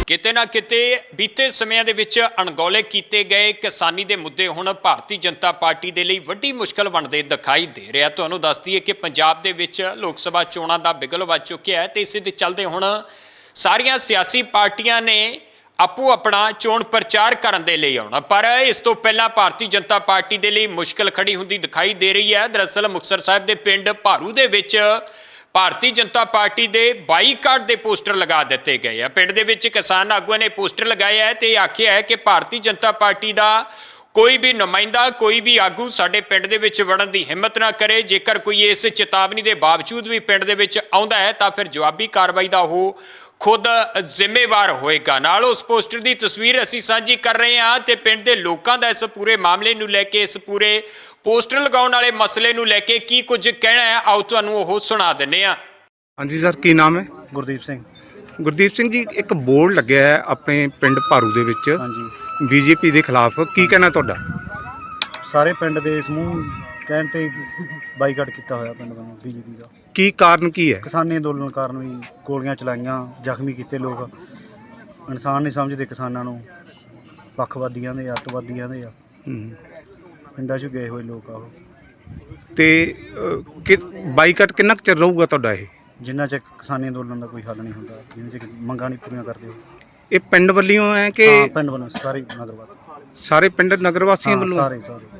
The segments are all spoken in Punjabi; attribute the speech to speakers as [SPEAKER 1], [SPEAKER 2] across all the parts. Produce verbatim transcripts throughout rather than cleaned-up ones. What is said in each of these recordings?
[SPEAKER 1] ਕਿਤੇ ਨਾ ਕਿਤੇ ਬੀਤੇ ਸਮਿਆਂ ਦੇ ਵਿੱਚ ਅਣਗੌਲੇ ਕੀਤੇ ਗਏ ਕਿਸਾਨੀ ਦੇ ਮੁੱਦੇ ਹੁਣ ਭਾਰਤੀ ਜਨਤਾ ਪਾਰਟੀ ਦੇ ਲਈ ਵੱਡੀ ਮੁਸ਼ਕਲ ਬਣਦੇ ਦਿਖਾਈ ਦੇ ਰਿਹਾ। ਤੁਹਾਨੂੰ ਦੱਸ ਦਈਏ ਕਿ ਪੰਜਾਬ ਦੇ ਵਿੱਚ ਲੋਕ ਸਭਾ ਚੋਣਾਂ ਦਾ ਬਿਗਲ ਵੱਜ ਚੁੱਕਿਆ ਹੈ ਤੇ ਇਸੇ ਦੇ ਚੱਲਦੇ ਹੁਣ ਸਾਰੀਆਂ ਸਿਆਸੀ ਪਾਰਟੀਆਂ ਨੇ ਆਪੋ ਆਪਣਾ ਚੋਣ ਪ੍ਰਚਾਰ ਕਰਨ ਦੇ ਲਈ ਆਉਣਾ, ਪਰ ਇਸ ਤੋਂ ਪਹਿਲਾਂ ਭਾਰਤੀ ਜਨਤਾ ਪਾਰਟੀ ਦੇ ਲਈ ਮੁਸ਼ਕਲ ਖੜੀ ਹੁੰਦੀ ਦਿਖਾਈ ਦੇ ਰਹੀ ਹੈ। ਦਰਅਸਲ ਮੁਕਤਸਰ ਸਾਹਿਬ ਦੇ ਪਿੰਡ ਭਾਰੂ ਦੇ ਵਿੱਚ ਭਾਰਤੀ ਜਨਤਾ ਪਾਰਟੀ ਦੇ ਬਾਈਕਾਟ ਦੇ ਪੋਸਟਰ ਲਗਾ ਦਿੱਤੇ ਗਏ ਆ। ਪਿੰਡ ਦੇ ਵਿੱਚ ਕਿਸਾਨ ਆਗੂਆਂ ਨੇ ਪੋਸਟਰ ਲਗਾਇਆ ਹੈ ਤੇ ਆਖਿਆ ਹੈ ਕਿ ਭਾਰਤੀ ਜਨਤਾ ਪਾਰਟੀ ਦਾ ਕੋਈ ਵੀ ਨੁਮਾਇੰਦਾ, ਕੋਈ ਵੀ ਆਗੂ ਸਾਡੇ ਪਿੰਡ ਦੇ ਵਿੱਚ ਵੜਨ ਦੀ ਹਿੰਮਤ ਨਾ ਕਰੇ। ਜੇਕਰ ਕੋਈ ਇਸ ਚੇਤਾਵਨੀ ਦੇ ਬਾਵਜੂਦ ਵੀ ਪਿੰਡ ਦੇ ਵਿੱਚ ਆਉਂਦਾ ਹੈ ਤਾਂ ਫਿਰ ਜਵਾਬੀ ਕਾਰਵਾਈ ਦਾ ਉਹ ਖੁਦ ਜ਼ਿੰਮੇਵਾਰ ਹੋਏਗਾ। ਨਾਲ ਉਸ ਪੋਸਟਰ ਦੀ ਤਸਵੀਰ ਅਸੀਂ ਸਾਂਝੀ ਕਰ ਰਹੇ ਹਾਂ ਤੇ ਪਿੰਡ ਦੇ ਲੋਕਾਂ ਦਾ ਇਸ ਪੂਰੇ ਮਾਮਲੇ ਨੂੰ ਲੈ ਕੇ, ਇਸ ਪੂਰੇ ਪੋਸਟਰ ਲਗਾਉਣ ਵਾਲੇ ਮਸਲੇ ਨੂੰ ਲੈ ਕੇ ਕੀ ਕੁਝ ਕਹਿਣਾ ਹੈ, ਆਓ ਤੁਹਾਨੂੰ ਉਹ ਸੁਣਾ ਦਿੰਦੇ ਹਾਂ।
[SPEAKER 2] ਹਾਂਜੀ ਸਰ, ਕੀ ਨਾਮ ਹੈ?
[SPEAKER 3] ਗੁਰਦੀਪ ਸਿੰਘ।
[SPEAKER 2] ਗੁਰਦੀਪ ਸਿੰਘ ਜੀ, ਇੱਕ ਬੋਰਡ ਲੱਗਿਆ ਹੈ ਆਪਣੇ ਪਿੰਡ ਭਾਰੂ ਦੇ ਵਿੱਚ
[SPEAKER 3] ਹਾਂਜੀ,
[SPEAKER 2] ਬੀਜੇਪੀ ਦੇ ਖਿਲਾਫ, ਕੀ ਕਹਿਣਾ ਤੁਹਾਡਾ?
[SPEAKER 3] ਸਾਰੇ ਪਿੰਡ ਦੇ ਸਮੂਹ ਕਹਿਣ ਤੇ ਬਾਈਕਾਟ ਕੀਤਾ ਹੋਇਆ ਪਿੰਡ ਵੱਲੋਂ ਬੀਜੇਪੀ ਦਾ।
[SPEAKER 2] ਕੀ ਕਾਰਨ ਕੀ ਹੈ?
[SPEAKER 3] ਕਿਸਾਨੀ ਅੰਦੋਲਨ ਕਾਰਨ ਵੀ ਗੋਲੀਆਂ ਚਲਾਈਆਂ, ਜ਼ਖਮੀ ਕੀਤੇ ਲੋਕ। ਇਨਸਾਨ ਨਹੀਂ ਸਮਝਦੇ ਕਿਸਾਨਾਂ ਨੂੰ, ਪੱਖਵਾਦੀਆਂ ਦੇ, ਅੱਤਵਾਦੀਆਂ ਦੇ ਆ।
[SPEAKER 2] ਹੂੰ।
[SPEAKER 3] ਪਿੰਡਾਂ 'ਚ ਗਏ ਹੋਏ ਲੋਕ ਆ ਉਹ।
[SPEAKER 2] ਤੇ ਅਹ, ਕਿ ਬਾਈਕਾਟ ਕਿੰਨਾ ਕੁ ਚਿਰ ਰਹੂਗਾ ਤੁਹਾਡਾ ਇਹ?
[SPEAKER 3] ਜਿੰਨਾ ਚਿਰ ਕਿਸਾਨੀ ਅੰਦੋਲਨ ਦਾ ਕੋਈ ਹੱਲ ਨਹੀਂ ਹੁੰਦਾ, ਜਿੰਨਾ ਚਿਰ ਮੰਗਾਂ ਨਹੀਂ ਪੂਰੀਆਂ ਕਰਦੇ ਉਹ।
[SPEAKER 2] ਇਹ ਪਿੰਡ ਵੱਲੋਂ ਹੈ ਕਿ
[SPEAKER 3] ਹਾਂ, ਪਿੰਡ ਵੱਲੋਂ ਸਾਰੇ ਨਗਰਵਾਦ,
[SPEAKER 2] ਸਾਰੇ ਪਿੰਡ ਨਗਰ ਵਾਸੀਆਂ ਵੱਲੋਂ?
[SPEAKER 3] ਸਾਰੇ ਸਾਰੇ।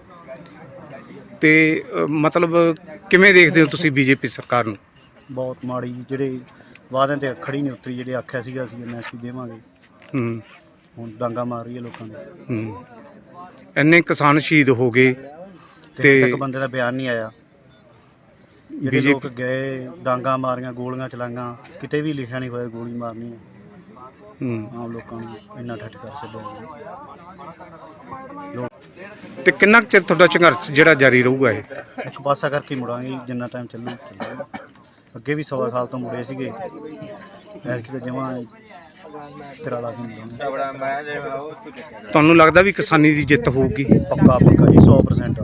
[SPEAKER 2] ਤੇ ਅਹ, ਮਤਲਬ ਕਿਵੇਂ ਦੇਖਦੇ ਹੋ ਤੁਸੀਂ ਬੀਜੇਪੀ ਸਰਕਾਰ ਨੂੰ?
[SPEAKER 3] ਬਹੁਤ ਮਾੜੀ, ਜਿਹੜੇ ਵਾਅਦਿਆਂ ਤੇ ਖੜੀ ਨਹੀਂ ਉਤਰੀ। ਜਿਹੜੇ ਆਖਿਆ ਸੀਗਾ ਅਸੀਂ ਐਮ ਐਸ ਪੀ ਦੇਵਾਂਗੇ,
[SPEAKER 2] ਹੂੰ
[SPEAKER 3] ਹੁਣ ਡਾਂਗਾ ਮਾਰ ਰਹੀ ਹੈ ਲੋਕਾਂ ਦੇ।
[SPEAKER 2] ਹੂੰ। ਇੰਨੇ ਕਿਸਾਨ ਸ਼ਹੀਦ ਹੋ ਗਏ
[SPEAKER 3] ਤੇ ਇੱਕ
[SPEAKER 2] ਤੇ
[SPEAKER 3] ਬੰਦੇ ਦਾ ਬਿਆਨ ਨਹੀਂ ਆਇਆ। ਜਿਹੜੇ ਲੋਕ ਗਏ, ਡਾਂਗਾ ਮਾਰੀਆਂ, ਗੋਲੀਆਂ ਚਲਾਈਆਂ, ਕਿਤੇ ਵੀ ਲਿਖਿਆ ਨਹੀਂ ਹੋਇਆ ਗੋਲੀ ਮਾਰਨੀ ਹੈ।
[SPEAKER 2] ਹੂੰ।
[SPEAKER 3] ਆਮ ਲੋਕਾਂ ਨੂੰ ਇੰਨਾ ਠੱਠ ਕਰ ਛੱਡਿਆ।
[SPEAKER 2] ਤੇ ਕਿੰਨਾ ਕੁ ਚਿਰ ਤੁਹਾਡਾ ਸੰਘਰਸ਼ ਜਿਹੜਾ ਜਾਰੀ ਰਹੂਗਾ ਇਹ?
[SPEAKER 3] ਇੱਕ ਪਾਸਾ ਕਰਕੇ ਹੀ ਮੁੜਾਂਗੇ, ਜਿੰਨਾ ਟਾਈਮ ਚੱਲੂ ਚੱਲੂ। ਅੱਗੇ ਵੀ ਸਵਾ ਸਾਲ ਤੋਂ ਮੁੜੇ ਸੀਗੇ, ਐਰਕੀ ਤਾਂ ਜਮਾਂ ਤੇਰਾ ਲਾ ਕੇ ਮੁੜਾਂਗੇ।
[SPEAKER 2] ਤੁਹਾਨੂੰ ਲੱਗਦਾ ਵੀ ਕਿਸਾਨੀ ਦੀ ਜਿੱਤ ਹੋਊਗੀ?
[SPEAKER 3] ਪੱਕਾ ਪੱਕਾ ਜੀ, ਸੌ ਪਰਸੈਂਟ।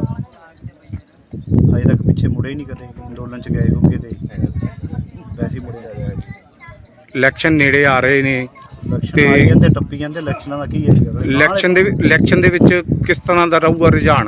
[SPEAKER 3] ਅਜੇ ਤੱਕ ਪਿੱਛੇ ਮੁੜੇ ਹੀ ਨਹੀਂ ਕਦੇ, ਅੰਦੋਲਨ 'ਚ ਗਏ ਹੋਗੇ ਤੇ ਵੈਸੇ ਹੀ ਮੁੜੇ।
[SPEAKER 2] ਇਲੈਕਸ਼ਨ ਨੇੜੇ ਆ ਰਹੇ ਨੇ
[SPEAKER 3] ਇਲੈਕਸ਼ਨ ਆਈ ਜਾਂਦੇ, ਟੱਪੀ ਜਾਂਦੇ। ਇਲੈਕਸ਼ਨਾਂ ਦਾ ਕੀ ਹੈ?
[SPEAKER 2] ਇਲੈਕਸ਼ਨ ਦੇ ਇਲੈਕਸ਼ਨ ਦੇ ਵਿੱਚ ਕਿਸ ਤਰ੍ਹਾਂ ਦਾ ਰਹੂਗਾ ਰੁਝਾਨ?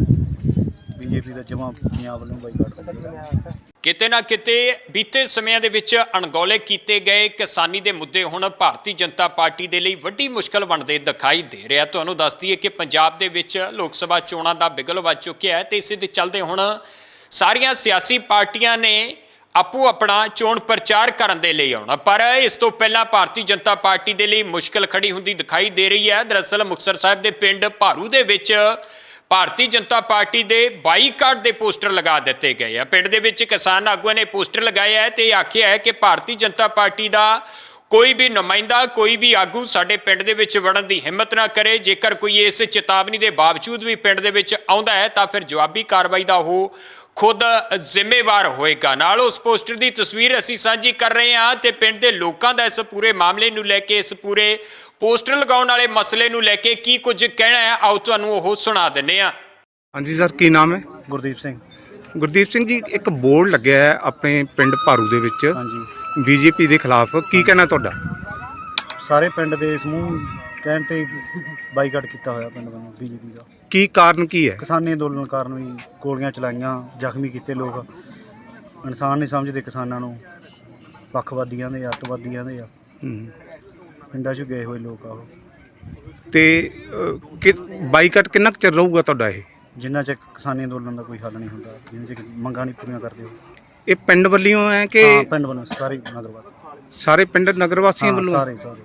[SPEAKER 3] ਬੀਜੇਪੀ ਦਾ ਜਮਾਂ ਪੰਜਾਬ ਵੱਲੋਂ ਬਾਈਕਾਟ ਕਰਦਾ।
[SPEAKER 1] ਕਿਤੇ ਨਾ ਕਿਤੇ ਬੀਤੇ ਸਮਿਆਂ ਦੇ ਵਿੱਚ ਅਣਗੌਲੇ ਕੀਤੇ ਗਏ ਕਿਸਾਨੀ ਦੇ ਮੁੱਦੇ ਹੁਣ ਭਾਰਤੀ ਜਨਤਾ ਪਾਰਟੀ ਦੇ ਲਈ ਵੱਡੀ ਮੁਸ਼ਕਲ ਬਣਦੇ ਦਿਖਾਈ ਦੇ ਰਿਹਾ। ਤੁਹਾਨੂੰ ਦੱਸ ਦਈਏ ਕਿ ਪੰਜਾਬ ਦੇ ਵਿੱਚ ਲੋਕ ਸਭਾ ਚੋਣਾਂ ਦਾ ਬਿਗਲ ਵੱਜ ਚੁੱਕਿਆ ਹੈ ਤੇ ਇਸੇ ਦੇ ਚੱਲਦੇ ਹੁਣ ਸਾਰੀਆਂ ਸਿਆਸੀ ਪਾਰਟੀਆਂ ਨੇ ਆਪੋ ਆਪਣਾ ਚੋਣ ਪ੍ਰਚਾਰ ਕਰਨ ਦੇ ਲਈ ਆਉਣਾ, ਪਰ ਇਸ ਤੋਂ ਪਹਿਲਾਂ ਭਾਰਤੀ ਜਨਤਾ ਪਾਰਟੀ ਦੇ ਲਈ ਮੁਸ਼ਕਲ ਖੜੀ ਹੁੰਦੀ ਦਿਖਾਈ ਦੇ ਰਹੀ ਹੈ। ਦਰਅਸਲ ਮੁਕਤਸਰ ਸਾਹਿਬ ਦੇ ਪਿੰਡ ਭਾਰੂ ਦੇ ਵਿੱਚ ਭਾਰਤੀ ਜਨਤਾ ਪਾਰਟੀ ਦੇ ਬਾਈਕਾਟ ਦੇ ਪੋਸਟਰ ਲਗਾ ਦਿੱਤੇ ਗਏ ਆ। ਪਿੰਡ ਦੇ ਵਿੱਚ ਕਿਸਾਨ ਆਗੂਆਂ ਨੇ ਪੋਸਟਰ ਲਗਾਇਆ ਹੈ ਤੇ ਆਖਿਆ ਹੈ ਕਿ ਭਾਰਤੀ ਜਨਤਾ ਪਾਰਟੀ ਦਾ ਕੋਈ ਵੀ ਨੁਮਾਇੰਦਾ, ਕੋਈ ਵੀ ਆਗੂ ਸਾਡੇ ਪਿੰਡ ਦੇ ਵਿੱਚ ਵੜਨ ਦੀ ਹਿੰਮਤ ਨਾ ਕਰੇ। ਜੇਕਰ ਕੋਈ ਇਸ ਚੇਤਾਵਨੀ ਦੇ ਬਾਵਜੂਦ ਵੀ ਪਿੰਡ ਦੇ ਵਿੱਚ ਆਉਂਦਾ ਹੈ ਤਾਂ ਫਿਰ ਜਵਾਬੀ ਕਾਰਵਾਈ ਦਾ ਉਹ ਖੁਦ ਜ਼ਿੰਮੇਵਾਰ ਹੋਏਗਾ। ਨਾਲ ਉਸ ਪੋਸਟਰ ਦੀ ਤਸਵੀਰ ਅਸੀਂ ਸਾਂਝੀ ਕਰ ਰਹੇ ਹਾਂ ਤੇ ਪਿੰਡ ਦੇ ਲੋਕਾਂ ਦਾ ਇਸ ਪੂਰੇ ਮਾਮਲੇ ਨੂੰ ਲੈ ਕੇ, ਇਸ ਪੂਰੇ ਪੋਸਟਰ ਲਗਾਉਣ ਵਾਲੇ ਮਸਲੇ ਨੂੰ ਲੈ ਕੇ ਕੀ ਕੁਝ ਕਹਿਣਾ ਹੈ, ਆਓ ਤੁਹਾਨੂੰ ਉਹ ਸੁਣਾ ਦਿੰਦੇ ਹਾਂ।
[SPEAKER 2] ਹਾਂਜੀ ਸਰ, ਕੀ ਨਾਮ ਹੈ?
[SPEAKER 3] ਗੁਰਦੀਪ ਸਿੰਘ।
[SPEAKER 2] ਗੁਰਦੀਪ ਸਿੰਘ ਜੀ, ਇੱਕ ਬੋਰਡ ਲੱਗਿਆ ਹੈ ਆਪਣੇ ਪਿੰਡ ਭਾਰੂ ਦੇ ਵਿੱਚ
[SPEAKER 3] ਹਾਂਜੀ,
[SPEAKER 2] ਬੀਜੇਪੀ ਦੇ ਖਿਲਾਫ, ਕੀ ਕਹਿਣਾ ਤੁਹਾਡਾ?
[SPEAKER 3] ਸਾਰੇ ਪਿੰਡ ਦੇ ਸਮੂਹ ਕਹਿਣ ਤੇ ਬਾਈਕਾਟ ਕੀਤਾ ਹੋਇਆ ਪਿੰਡ ਵੱਲੋਂ ਬੀਜੇਪੀ ਦਾ।
[SPEAKER 2] ਕੀ ਕਾਰਨ ਕੀ ਹੈ?
[SPEAKER 3] ਕਿਸਾਨੀ ਅੰਦੋਲਨ ਕਾਰਨ ਵੀ ਗੋਲੀਆਂ ਚਲਾਈਆਂ, ਜ਼ਖਮੀ ਕੀਤੇ ਲੋਕ। ਇਨਸਾਨ ਨਹੀਂ ਸਮਝਦੇ ਕਿਸਾਨਾਂ ਨੂੰ, ਪੱਖਵਾਦੀਆਂ ਦੇ, ਅੱਤਵਾਦੀਆਂ ਦੇ ਆ।
[SPEAKER 2] ਹੂੰ।
[SPEAKER 3] ਪਿੰਡਾਂ 'ਚ ਗਏ ਹੋਏ ਲੋਕ ਆ ਉਹ।
[SPEAKER 2] ਤੇ ਅਹ, ਕਿ ਬਾਈਕਾਟ ਕਿੰਨਾ ਕੁ ਚਿਰ ਰਹੂਗਾ ਤੁਹਾਡਾ ਇਹ?
[SPEAKER 3] ਜਿੰਨਾ ਚਿਰ ਕਿਸਾਨੀ ਅੰਦੋਲਨ ਦਾ ਕੋਈ ਹੱਲ ਨਹੀਂ ਹੁੰਦਾ, ਜਿੰਨਾ ਚਿਰ ਮੰਗਾਂ ਨਹੀਂ ਪੂਰੀਆਂ ਕਰਦੇ ਉਹ।
[SPEAKER 2] ਇਹ ਪਿੰਡ ਵੱਲੋਂ ਹੈ ਕਿ
[SPEAKER 3] ਹਾਂ, ਪਿੰਡ ਵੱਲੋਂ ਸਾਰੇ ਨਗਰਵਾਦ,
[SPEAKER 2] ਸਾਰੇ ਪਿੰਡ ਨਗਰ ਵਾਸੀਆਂ ਵੱਲੋਂ?
[SPEAKER 3] ਸਾਰੇ ਸਾਰੇ।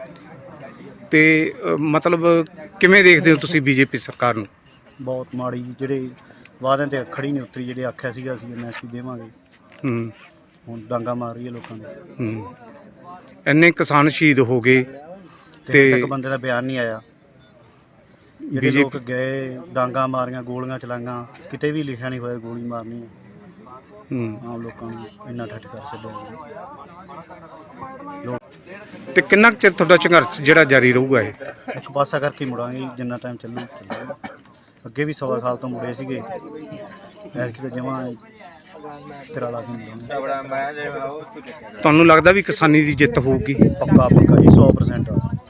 [SPEAKER 2] ਤੇ ਅਹ, ਮਤਲਬ ਕਿਵੇਂ ਦੇਖਦੇ ਹੋ ਤੁਸੀਂ ਬੀਜੇਪੀ ਸਰਕਾਰ ਨੂੰ?
[SPEAKER 3] ਬਹੁਤ ਮਾੜੀ, ਜਿਹੜੇ ਵਾਅਦਿਆਂ ਤੇ ਖੜੀ ਨਹੀਂ ਉਤਰੀ। ਜਿਹੜੇ ਆਖਿਆ ਸੀਗਾ ਅਸੀਂ ਐਮ ਐਸ ਪੀ ਦੇਵਾਂਗੇ,
[SPEAKER 2] ਹੂੰ।
[SPEAKER 3] ਹੁਣ ਡਾਂਗਾ ਮਾਰ ਰਹੀ ਹੈ ਲੋਕਾਂ ਦੇ।
[SPEAKER 2] ਹੂੰ। ਇੰਨੇ ਕਿਸਾਨ ਸ਼ਹੀਦ ਹੋ ਗਏ
[SPEAKER 3] ਤੇ ਇੱਕ ਬੰਦੇ ਦਾ ਬਿਆਨ ਨਹੀਂ ਆਇਆ। ਜਿਹੜੇ ਲੋਕ ਗਏ, ਡਾਂਗਾ ਮਾਰੀਆਂ, ਗੋਲੀਆਂ ਚਲਾਈਆਂ, ਕਿਤੇ ਵੀ ਲਿਖਿਆ ਨਹੀਂ ਹੋਇਆ ਗੋਲੀ ਮਾਰਨੀ ਹੈ।
[SPEAKER 2] ਹੂੰ।
[SPEAKER 3] ਆਮ ਲੋਕਾਂ ਨੂੰ ਇੰਨਾ ਠੱਠ ਕਰ ਛੱਡਿਆ।
[SPEAKER 2] ਤੇ ਕਿੰਨਾ ਕੁ ਚਿਰ ਤੁਹਾਡਾ ਸੰਘਰਸ਼ ਜਿਹੜਾ ਜਾਰੀ ਰਹੂਗਾ ਇਹ?
[SPEAKER 3] ਇੱਕ ਪਾਸਾ ਕਰਕੇ ਹੀ ਮੁੜਾਂਗੇ, ਜਿੰਨਾ ਟਾਈਮ ਚੱਲੂ ਚੱਲੂ। ਅੱਗੇ ਵੀ ਸਵਾ ਸਾਲ ਤੋਂ ਮੁੜੇ ਸੀਗੇ, ਐਰਕੀ ਤਾਂ ਜਮਾਂ ਤੇਰਾ ਲਾ ਕੇ ਮੁੜਾਂਗੇ।
[SPEAKER 2] ਤੁਹਾਨੂੰ ਲੱਗਦਾ ਵੀ ਕਿਸਾਨੀ ਦੀ ਜਿੱਤ ਹੋਊਗੀ?
[SPEAKER 3] ਪੱਕਾ ਪੱਕਾ ਜੀ, ਸੌ ਪਰਸੈਂਟ।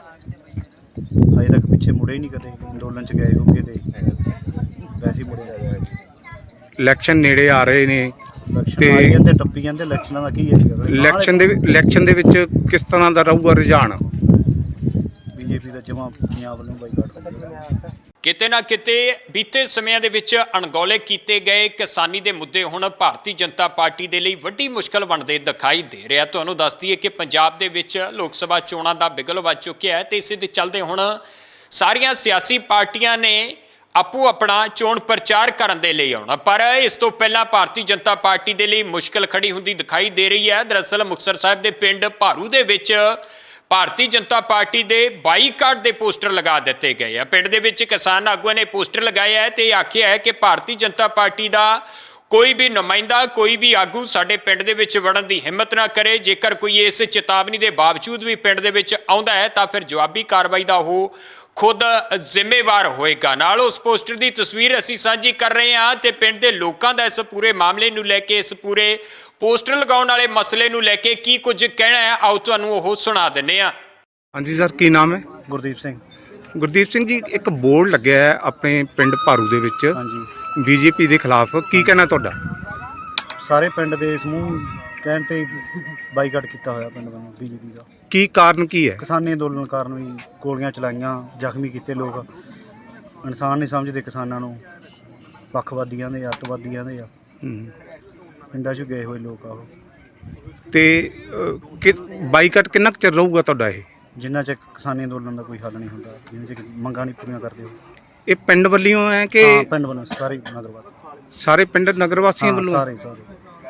[SPEAKER 3] ਮੁੜੇ ਨਹੀਂ ਕਦੇ ਅੰਦੋਲਨ 'ਚ ਗਏ ਹੋਗੇ ਤੇ ਵੈਸੇ ਹੀ ਮੁੜੇ
[SPEAKER 2] ਇਲੈਕਸ਼ਨ ਨੇੜੇ ਆ ਰਹੇ ਨੇ
[SPEAKER 3] ਇਲੈਕਸ਼ਨ
[SPEAKER 2] ਤੇ-
[SPEAKER 3] ਆਈ ਜਾਂਦੇ ਟੱਪੀ ਜਾਂਦੇ ਇਲੈਕਸ਼ਨਾਂ ਦਾ ਕੀ ਹੈ ਜੀ
[SPEAKER 2] ਇਲੈਕਸ਼ਨ ਦੇ ਇਲੈਕਸ਼ਨ ਦੇ ਵਿੱਚ ਕਿਸ ਤਰ੍ਹਾਂ ਦਾ ਰਹੂਗਾ ਰੁਝਾਨ?
[SPEAKER 3] ਬੀਜੇਪੀ ਦਾ ਜਮਾ ਪੰਜਾਬ ਵੱਲੋਂ ਬਾਈਕਾਟ ਕਰਦਾ
[SPEAKER 1] ਕਿਤੇ ਨਾ ਕਿਤੇ ਬੀਤੇ ਸਮਿਆਂ ਦੇ ਵਿੱਚ ਅਣਗੌਲੇ ਕੀਤੇ ਗਏ ਕਿਸਾਨੀ ਦੇ ਮੁੱਦੇ ਹੁਣ ਭਾਰਤੀ ਜਨਤਾ ਪਾਰਟੀ ਦੇ ਲਈ ਵੱਡੀ ਮੁਸ਼ਕਲ ਬਣਦੇ ਦਿਖਾਈ ਦੇ ਰਿਹਾ। ਤੁਹਾਨੂੰ ਦੱਸ ਦਈਏ ਕਿ ਪੰਜਾਬ ਦੇ ਵਿੱਚ ਲੋਕ ਸਭਾ ਚੋਣਾਂ ਦਾ ਬਿਗਲ ਵੱਜ ਚੁੱਕਿਆ ਹੈ ਤੇ ਇਸੇ ਦੇ ਚੱਲਦੇ ਹੁਣ ਸਾਰੀਆਂ ਸਿਆਸੀ ਪਾਰਟੀਆਂ ਨੇ ਆਪੋ ਆਪਣਾ ਚੋਣ ਪ੍ਰਚਾਰ ਕਰਨ ਦੇ ਲਈ ਆਉਣਾ, ਪਰ ਇਸ ਤੋਂ ਪਹਿਲਾਂ ਭਾਰਤੀ ਜਨਤਾ ਪਾਰਟੀ ਦੇ ਲਈ ਮੁਸ਼ਕਲ ਖੜੀ ਹੁੰਦੀ ਦਿਖਾਈ ਦੇ ਰਹੀ ਹੈ। ਦਰਅਸਲ ਮੁਕਤਸਰ ਸਾਹਿਬ ਦੇ ਪਿੰਡ ਭਾਰੂ ਦੇ ਵਿੱਚ ਭਾਰਤੀ ਜਨਤਾ ਪਾਰਟੀ ਦੇ ਬਾਈਕਾਟ ਦੇ ਪੋਸਟਰ ਲਗਾ ਦਿੱਤੇ ਗਏ ਆ। ਪਿੰਡ ਦੇ ਵਿੱਚ ਕਿਸਾਨ ਆਗੂਆਂ ਨੇ ਪੋਸਟਰ ਲਗਾਇਆ ਹੈ ਤੇ ਆਖਿਆ ਹੈ ਕਿ ਭਾਰਤੀ ਜਨਤਾ ਪਾਰਟੀ ਦਾ ਕੋਈ ਵੀ ਨੁਮਾਇੰਦਾ, ਕੋਈ ਵੀ ਆਗੂ ਸਾਡੇ ਪਿੰਡ ਦੇ ਵਿੱਚ ਵੜਨ ਦੀ ਹਿੰਮਤ ਨਾ ਕਰੇ। ਜੇਕਰ ਕੋਈ ਇਸ ਚੇਤਾਵਨੀ ਦੇ ਬਾਵਜੂਦ ਵੀ ਪਿੰਡ ਦੇ ਵਿੱਚ ਆਉਂਦਾ ਹੈ ਤਾਂ ਫਿਰ ਜਵਾਬੀ ਕਾਰਵਾਈ ਦਾ ਉਹ ਖੁਦ ਜ਼ਿੰਮੇਵਾਰ ਹੋਏਗਾ। ਨਾਲ ਉਸ ਪੋਸਟਰ ਦੀ ਤਸਵੀਰ ਅਸੀਂ ਸਾਂਝੀ ਕਰ ਰਹੇ ਹਾਂ ਤੇ ਪਿੰਡ ਦੇ ਲੋਕਾਂ ਦਾ ਇਸ ਪੂਰੇ ਮਾਮਲੇ ਨੂੰ ਲੈ ਕੇ, ਇਸ ਪੂਰੇ ਪੋਸਟਰ ਲਗਾਉਣ ਵਾਲੇ ਮਸਲੇ ਨੂੰ ਲੈ ਕੇ ਕੀ ਕੁਝ ਕਹਿਣਾ ਹੈ, ਆਓ ਤੁਹਾਨੂੰ ਉਹ ਸੁਣਾ ਦਿੰਦੇ ਹਾਂ।
[SPEAKER 2] ਹਾਂਜੀ ਸਰ, ਕੀ ਨਾਮ ਹੈ?
[SPEAKER 3] ਗੁਰਦੀਪ ਸਿੰਘ।
[SPEAKER 2] ਗੁਰਦੀਪ ਸਿੰਘ ਜੀ, ਇੱਕ ਬੋਰਡ ਲੱਗਿਆ ਹੈ ਆਪਣੇ ਪਿੰਡ ਭਾਰੂ ਦੇ ਵਿੱਚ
[SPEAKER 3] ਹਾਂਜੀ,
[SPEAKER 2] ਬੀਜੇਪੀ ਦੇ ਖਿਲਾਫ, ਕੀ ਕਹਿਣਾ ਤੁਹਾਡਾ?
[SPEAKER 3] ਸਾਰੇ ਪਿੰਡ ਦੇ ਸਮੂਹ ਕਹਿਣ ਤੇ ਬਾਈਕਾਟ ਕੀਤਾ ਹੋਇਆ ਪਿੰਡ ਵੱਲੋਂ ਬੀਜੇਪੀ ਦਾ।
[SPEAKER 2] ਕੀ ਕਾਰਨ ਕੀ ਹੈ?
[SPEAKER 3] ਕਿਸਾਨੀ ਅੰਦੋਲਨ ਕਾਰਨ ਵੀ ਗੋਲੀਆਂ ਚਲਾਈਆਂ, ਜ਼ਖਮੀ ਕੀਤੇ ਲੋਕ। ਇਨਸਾਨ ਨਹੀਂ ਸਮਝਦੇ ਕਿਸਾਨਾਂ ਨੂੰ, ਪੱਖਵਾਦੀਆਂ ਦੇ, ਅੱਤਵਾਦੀਆਂ ਦੇ ਆ।
[SPEAKER 2] ਹੂੰ।
[SPEAKER 3] ਪਿੰਡਾਂ 'ਚ ਗਏ ਹੋਏ ਲੋਕ ਆ ਉਹ।
[SPEAKER 2] ਤੇ ਅਹ, ਕਿ ਬਾਈਕਾਟ ਕਿੰਨਾ ਕੁ ਚਿਰ ਰਹੂਗਾ ਤੁਹਾਡਾ ਇਹ?
[SPEAKER 3] ਜਿੰਨਾ ਚਿਰ ਕਿਸਾਨੀ ਅੰਦੋਲਨ ਦਾ ਕੋਈ ਹੱਲ ਨਹੀਂ ਹੁੰਦਾ, ਜਿੰਨਾ ਚਿਰ ਮੰਗਾਂ ਨਹੀਂ ਪੂਰੀਆਂ ਕਰਦੇ ਉਹ।
[SPEAKER 2] ਇਹ ਪਿੰਡ ਵੱਲੋਂ ਹੈ ਕਿ
[SPEAKER 3] ਹਾਂ, ਪਿੰਡ ਵੱਲੋਂ ਸਾਰੇ ਨਗਰਵਾਦ,
[SPEAKER 2] ਸਾਰੇ ਪਿੰਡ ਨਗਰ ਵਾਸੀਆਂ ਵੱਲੋਂ?
[SPEAKER 3] ਸਾਰੇ ਸਾਰੇ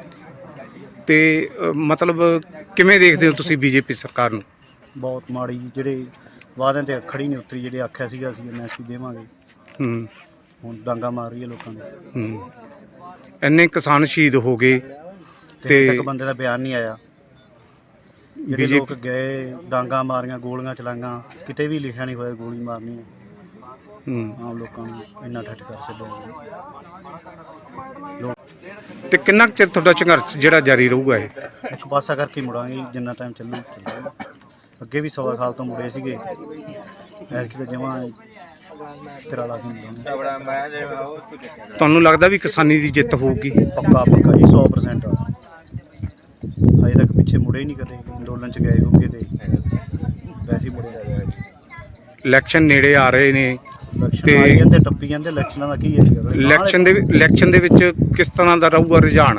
[SPEAKER 2] ਤੇ ਅਹ, ਮਤਲਬ ਕਿਵੇਂ ਦੇਖਦੇ ਹੋ ਤੁਸੀਂ ਬੀਜੇਪੀ ਸਰਕਾਰ ਨੂੰ?
[SPEAKER 3] ਬਹੁਤ ਮਾੜੀ ਜੀ, ਜਿਹੜੇ ਵਾਅਦਿਆਂ ਤੇ ਖੜੀ ਨਹੀਂ ਉਤਰੀ। ਜਿਹੜੇ ਆਖਿਆ ਸੀਗਾ ਅਸੀਂ ਐਮਐਸਪੀ ਦੇਵਾਂਗੇ,
[SPEAKER 2] ਹੂੰ
[SPEAKER 3] ਹੁਣ ਡਾਂਗਾ ਮਾਰ ਰਹੀ ਹੈ ਲੋਕਾਂ ਦੇ।
[SPEAKER 2] ਹੂੰ। ਇੰਨੇ ਕਿਸਾਨ ਸ਼ਹੀਦ ਹੋ ਗਏ
[SPEAKER 3] ਤੇ
[SPEAKER 2] ਤੇ
[SPEAKER 3] ਇੱਕ ਬੰਦੇ ਦਾ ਬਿਆਨ ਨਹੀਂ ਆਇਆ। ਜਿਹੜੇ
[SPEAKER 2] ਬੀਜੇਪੀ
[SPEAKER 3] ਲੋਕ ਗਏ, ਡਾਂਗਾ ਮਾਰੀਆਂ, ਗੋਲੀਆਂ ਚਲਾਈਆਂ, ਕਿਤੇ ਵੀ ਲਿਖਿਆ ਨਹੀਂ ਹੋਇਆ ਗੋਲੀ ਮਾਰਨੀ ਹੈ।
[SPEAKER 2] ਹੂੰ।
[SPEAKER 3] ਆਮ ਲੋਕਾਂ ਨੂੰ ਇੰਨਾ ਠੱਠ ਕਰ ਛੱਡਿਆ।
[SPEAKER 2] ਤੇ ਕਿੰਨਾ ਕੁ ਚਿਰ ਤੁਹਾਡਾ ਸੰਘਰਸ਼ ਜਿਹੜਾ ਜਾਰੀ ਰਹੂਗਾ ਇਹ?
[SPEAKER 3] ਇੱਕ ਪਾਸਾ ਕਰਕੇ ਹੀ ਮੁੜਾਂਗੇ ਜਿੰਨਾ ਟਾਈਮ ਚੱਲੂ ਚੱਲੂ। ਅੱਗੇ ਵੀ ਸਵਾ ਸਾਲ ਤੋਂ ਮੁੜੇ ਸੀਗੇ, ਐਰਕੀ ਤਾਂ ਜਮਾਂ ਤੇਰਾ ਲਾ ਕੇ ਮੁੜਾਂਗੇ।
[SPEAKER 2] ਤੁਹਾਨੂੰ ਲੱਗਦਾ ਵੀ ਕਿਸਾਨੀ ਦੀ ਜਿੱਤ ਹੋਊਗੀ?
[SPEAKER 3] ਪੱਕਾ ਪੱਕਾ ਜੀ, ਸੌ ਪਰਸੈਂਟ। ਅਜੇ ਤੱਕ ਪਿੱਛੇ ਮੁੜੇ ਹੀ ਨਹੀਂ ਕਦੇ ਅੰਦੋਲਨ 'ਚ ਗਏ ਹੋਗੇ ਤੇ ਵੈਸੇ ਹੀ ਮੁੜੇ।
[SPEAKER 2] ਇਲੈਕਸ਼ਨ ਨੇੜੇ ਆ ਰਹੇ ਨੇ
[SPEAKER 3] ਇਲੈਕਸ਼ਨ
[SPEAKER 2] ਤੇ-
[SPEAKER 3] ਆਈ ਜਾਂਦੇ ਟੱਪੀ ਜਾਂਦੇ ਇਲੈਕਸ਼ਨਾਂ ਦਾ ਕੀ ਹੈ ਜੀ
[SPEAKER 2] ਇਲੈਕਸ਼ਨ ਦੇ ਇਲੈਕਸ਼ਨ ਦੇ ਵਿੱਚ ਕਿਸ ਤਰ੍ਹਾਂ ਦਾ ਰਹੂਗਾ ਰੁਝਾਨ?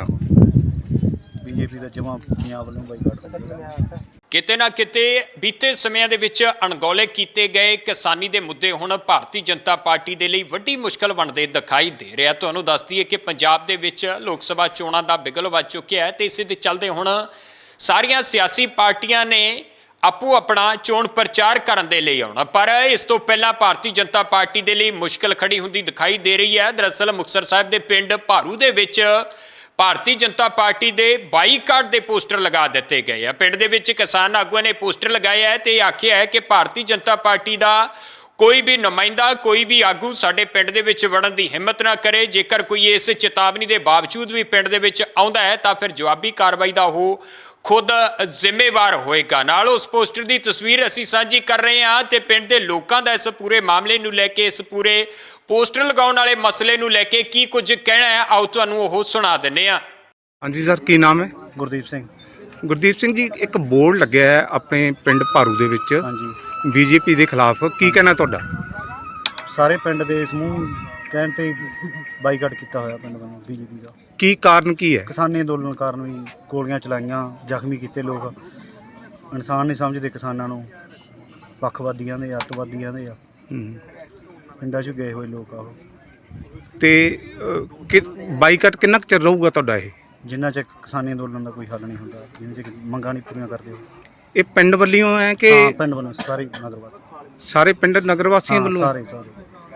[SPEAKER 3] ਬੀਜੇਪੀ ਦਾ ਜਮਾ ਪੰਜਾਬ ਵੱਲੋਂ ਬਾਈਕਾਟ ਕਰਦਾ।
[SPEAKER 1] ਕਿਤੇ ਨਾ ਕਿਤੇ ਬੀਤੇ ਸਮਿਆਂ ਦੇ ਵਿੱਚ ਅਣਗੌਲੇ ਕੀਤੇ ਗਏ ਕਿਸਾਨੀ ਦੇ ਮੁੱਦੇ ਹੁਣ ਭਾਰਤੀ ਜਨਤਾ ਪਾਰਟੀ ਦੇ ਲਈ ਵੱਡੀ ਮੁਸ਼ਕਲ ਬਣਦੇ ਦਿਖਾਈ ਦੇ ਰਿਹਾ। ਤੁਹਾਨੂੰ ਦੱਸ ਦਈਏ ਕਿ ਪੰਜਾਬ ਦੇ ਵਿੱਚ ਲੋਕ ਸਭਾ ਚੋਣਾਂ ਦਾ ਬਿਗਲ ਵੱਜ ਚੁੱਕਿਆ ਹੈ ਤੇ ਇਸੇ ਦੇ ਚੱਲਦੇ ਹੁਣ ਸਾਰੀਆਂ ਸਿਆਸੀ ਪਾਰਟੀਆਂ ਨੇ ਆਪੋ ਆਪਣਾ ਚੋਣ ਪ੍ਰਚਾਰ ਕਰਨ ਦੇ ਲਈ ਆਉਣਾ, ਪਰ ਇਸ ਤੋਂ ਪਹਿਲਾਂ ਭਾਰਤੀ ਜਨਤਾ ਪਾਰਟੀ ਦੇ ਲਈ ਮੁਸ਼ਕਲ ਖੜੀ ਹੁੰਦੀ ਦਿਖਾਈ ਦੇ ਰਹੀ ਹੈ। ਦਰਅਸਲ ਮੁਕਤਸਰ ਸਾਹਿਬ ਦੇ ਪਿੰਡ ਭਾਰੂ ਦੇ ਵਿੱਚ ਭਾਰਤੀ ਜਨਤਾ ਪਾਰਟੀ ਦੇ ਬਾਈਕਾਟ ਦੇ ਪੋਸਟਰ ਲਗਾ ਦਿੱਤੇ ਗਏ ਆ। ਪਿੰਡ ਦੇ ਵਿੱਚ ਕਿਸਾਨ ਆਗੂਆਂ ਨੇ ਪੋਸਟਰ ਲਗਾਇਆ ਹੈ ਤੇ ਆਖਿਆ ਹੈ ਕਿ ਭਾਰਤੀ ਜਨਤਾ ਪਾਰਟੀ ਦਾ ਕੋਈ ਵੀ ਨੁਮਾਇੰਦਾ, ਕੋਈ ਵੀ ਆਗੂ ਸਾਡੇ ਪਿੰਡ ਦੇ ਵਿੱਚ ਵੜਨ ਦੀ ਹਿੰਮਤ ਨਾ ਕਰੇ। ਜੇਕਰ ਕੋਈ ਇਸ ਚੇਤਾਵਨੀ ਦੇ ਬਾਵਜੂਦ ਵੀ ਪਿੰਡ ਦੇ ਵਿੱਚ ਆਉਂਦਾ ਹੈ ਤਾਂ ਫਿਰ ਜਵਾਬੀ ਕਾਰਵਾਈ ਦਾ ਉਹ ਖੁਦ ਜ਼ਿੰਮੇਵਾਰ ਹੋਏਗਾ। ਨਾਲ ਉਸ ਪੋਸਟਰ ਦੀ ਤਸਵੀਰ ਅਸੀਂ ਸਾਂਝੀ ਕਰ ਰਹੇ ਹਾਂ ਤੇ ਪਿੰਡ ਦੇ ਲੋਕਾਂ ਦਾ ਇਸ ਪੂਰੇ ਮਾਮਲੇ ਨੂੰ ਲੈ ਕੇ, ਇਸ ਪੂਰੇ ਪੋਸਟਰ ਲਗਾਉਣ ਵਾਲੇ ਮਸਲੇ ਨੂੰ ਲੈ ਕੇ ਕੀ ਕੁਝ ਕਹਿਣਾ ਹੈ, ਆਓ ਤੁਹਾਨੂੰ ਉਹ ਸੁਣਾ ਦਿੰਦੇ ਹਾਂ।
[SPEAKER 2] ਹਾਂਜੀ ਸਰ, ਕੀ ਨਾਮ ਹੈ?
[SPEAKER 3] ਗੁਰਦੀਪ ਸਿੰਘ।
[SPEAKER 2] ਗੁਰਦੀਪ ਸਿੰਘ ਜੀ, ਇੱਕ ਬੋਰਡ ਲੱਗਿਆ ਹੈ ਆਪਣੇ ਪਿੰਡ ਭਾਰੂ ਦੇ ਵਿੱਚ
[SPEAKER 3] ਹਾਂਜੀ,
[SPEAKER 2] ਬੀਜੇਪੀ ਦੇ ਖਿਲਾਫ, ਕੀ ਕਹਿਣਾ ਤੁਹਾਡਾ?
[SPEAKER 3] ਸਾਰੇ ਪਿੰਡ ਦੇ ਸਮੂਹ ਕਹਿਣ ਤੇ ਬਾਈਕਾਟ ਕੀਤਾ ਹੋਇਆ ਪਿੰਡ ਵੱਲੋਂ ਬੀਜੇਪੀ ਦਾ।
[SPEAKER 2] ਕੀ ਕਾਰਨ ਕੀ ਹੈ?
[SPEAKER 3] ਕਿਸਾਨੀ ਅੰਦੋਲਨ ਕਾਰਨ ਵੀ ਗੋਲੀਆਂ ਚਲਾਈਆਂ, ਜ਼ਖਮੀ ਕੀਤੇ ਲੋਕ। ਇਨਸਾਨ ਨਹੀਂ ਸਮਝਦੇ ਕਿਸਾਨਾਂ ਨੂੰ, ਪੱਖਵਾਦੀਆਂ ਦੇ, ਅੱਤਵਾਦੀਆਂ ਦੇ ਆ।
[SPEAKER 2] ਹੂੰ।
[SPEAKER 3] ਪਿੰਡਾਂ 'ਚ ਗਏ ਹੋਏ ਲੋਕ ਆ ਉਹ।
[SPEAKER 2] ਤੇ ਅਹ, ਕਿ ਬਾਈਕਾਟ ਕਿੰਨਾ ਕੁ ਚਿਰ ਰਹੂਗਾ ਤੁਹਾਡਾ ਇਹ?
[SPEAKER 3] ਜਿੰਨਾ ਚਿਰ ਕਿਸਾਨੀ ਅੰਦੋਲਨ ਦਾ ਕੋਈ ਹੱਲ ਨਹੀਂ ਹੁੰਦਾ, ਜਿੰਨਾ ਚਿਰ ਮੰਗਾਂ ਨਹੀਂ ਪੂਰੀਆਂ ਕਰਦੇ ਉਹ।
[SPEAKER 2] ਇਹ ਪਿੰਡ ਵੱਲੋਂ ਹੈ ਕਿ
[SPEAKER 3] ਹਾਂ, ਪਿੰਡ ਵੱਲੋਂ ਸਾਰੇ ਨਗਰਵਾਦ,
[SPEAKER 2] ਸਾਰੇ ਪਿੰਡ ਨਗਰ ਵਾਸੀਆਂ ਵੱਲੋਂ?
[SPEAKER 3] ਸਾਰੇ ਸਾਰੇ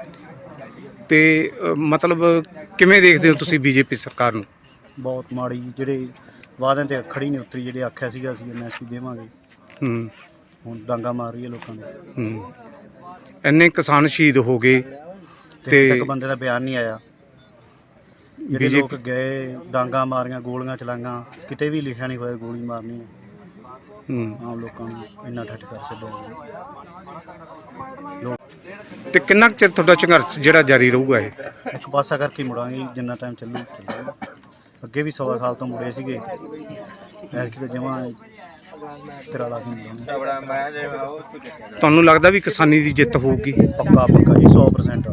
[SPEAKER 2] ਤੇ ਅਹ, ਮਤਲਬ ਕਿਵੇਂ ਦੇਖਦੇ ਹੋ ਤੁਸੀਂ ਬੀਜੇਪੀ ਸਰਕਾਰ ਨੂੰ?
[SPEAKER 3] ਬਹੁਤ ਮਾੜੀ ਜੀ, ਜਿਹੜੇ ਵਾਅਦਿਆਂ ਤੇ ਖੜੀ ਨਹੀਂ ਉਤਰੀ। ਜਿਹੜੇ ਆਖਿਆ ਸੀਗਾ ਅਸੀਂ ਐਮਐਸਪੀ ਦੇਵਾਂਗੇ,
[SPEAKER 2] ਹੂੰ।
[SPEAKER 3] ਹੁਣ ਡਾਂਗਾ ਮਾਰ ਰਹੀ ਹੈ ਲੋਕਾਂ ਦੇ।
[SPEAKER 2] ਹੂੰ। ਇੰਨੇ ਕਿਸਾਨ ਸ਼ਹੀਦ ਹੋ ਗਏ
[SPEAKER 3] ਤੇ
[SPEAKER 2] ਤੇ
[SPEAKER 3] ਇੱਕ ਬੰਦੇ ਦਾ ਬਿਆਨ ਨਹੀਂ ਆਇਆ। ਜਿਹੜੇ
[SPEAKER 2] ਬੀਜੇਪੀ
[SPEAKER 3] ਲੋਕ ਗਏ, ਡਾਂਗਾ ਮਾਰੀਆਂ, ਗੋਲੀਆਂ ਚਲਾਈਆਂ, ਕਿਤੇ ਵੀ ਲਿਖਿਆ ਨਹੀਂ ਹੋਇਆ ਗੋਲੀ ਮਾਰਨੀ ਹੈ।
[SPEAKER 2] ਹੂੰ।
[SPEAKER 3] ਆਮ ਲੋਕਾਂ ਨੂੰ ਇੰਨਾ ਠੱਠ ਕਰ ਛੱਡਿਆ। ਲੋਕ
[SPEAKER 2] ਤੇ ਕਿੰਨਾ ਕੁ ਚਿਰ ਤੁਹਾਡਾ ਸੰਘਰਸ਼ ਜਿਹੜਾ ਜਾਰੀ ਰਹੂਗਾ ਇਹ?
[SPEAKER 3] ਇੱਕ ਪਾਸਾ ਕਰਕੇ ਹੀ ਮੁੜਾਂਗੇ ਜਿੰਨਾ ਟਾਈਮ ਚੱਲੂ ਚੱਲੂ। ਅੱਗੇ ਵੀ ਸਵਾ ਸਾਲ ਤੋਂ ਮੁੜੇ ਸੀਗੇ, ਐਤਕੀ ਤਾਂ ਜਮਾਂ ਤੇਰਾ ਲਾ ਕੇ ਮੁੜਾਂਗੇ।
[SPEAKER 2] ਤੁਹਾਨੂੰ ਲੱਗਦਾ ਵੀ ਕਿਸਾਨੀ ਦੀ ਜਿੱਤ ਹੋਊਗੀ?
[SPEAKER 3] ਪੱਕਾ ਪੱਕਾ ਜੀ, ਸੌ ਪ੍ਰਸੈਂਟ।